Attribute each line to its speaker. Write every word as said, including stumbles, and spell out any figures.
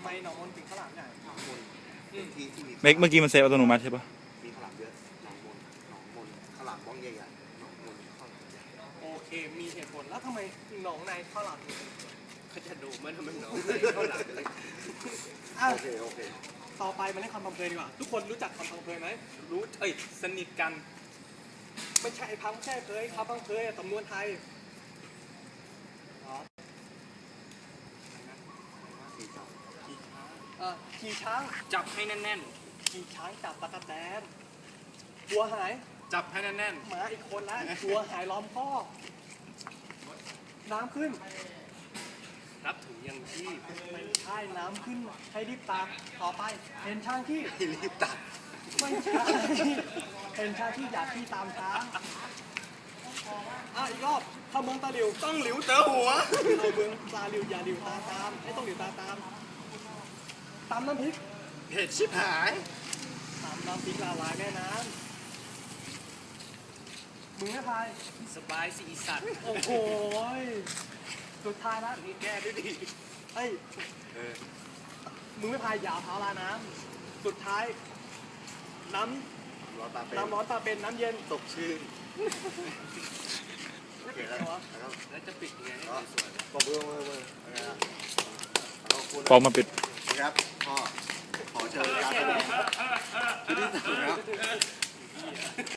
Speaker 1: ไมหนองมนถึงข้าวหลามใหญ่หนองมนที่ที่มี
Speaker 2: เมื่อเมื่อกี้มันเซฟอัตโนมัติใช่ปะ
Speaker 1: มีข้าวหลามเยอะหนองมนหนองมนข้าวหลามบ้องใหญ่ๆหนองมนข้าวหลามใหญ่โอเคมีเหตุผลแล้วทำไมหนองในข้าวหลามถึงเขาจะดูมันทำไมหนองในข้าวหลามโอเคโอเคต่อไปมาเล่นคำพังเพยดีกว่าทุกคนรู้จักคำพังเพยไหมรู้เอ้ยสนิทกันไม่ใช่พังแค่เคยคำพังเพยสำนวนไทยขี่ช้างจับให้แน่นๆขี่ช้างจับตะกั่วแตนวัวหายจับให้แน่นๆหมาอีกคนละวัวหายล้อมคอกน้ำขึ้นรับถุงยังชีพไม่ใช่น้ำขึ้นให้รีบตักต่อไปเห็นช้างที่รีบตักไม่ใช่เห็นช้างที่อยากที่ตามช้างอ่ะอีกรอบเข้าเมืองตาหลิวต้องหลิวเจอหัวเข้าเมืองตาหลิวอย่าหลิวตาตามไม่ต้องหลิวตาตามตำน้ำพริกเผ็ดชิบหายตำน้ำพริกละลายแม่น้ำมึงไม่พายสบายสิอีสัตว์โอ้โหสุดท้ายแล้วมึงแก้ด้วยดิเฮ้ยมึงไม่พายยาวเท้าลาน้ำสุดท้ายน้ำร้อนตาเป็นน้ำร้อนตาเป็นน้ำเย็นตกชื่นโอเคแล้วแล้วจะปิดยังไงให้สวยๆปอบมือมือมือ
Speaker 2: ฟองมาปิด
Speaker 1: ครับพ่อขอเชิญครับ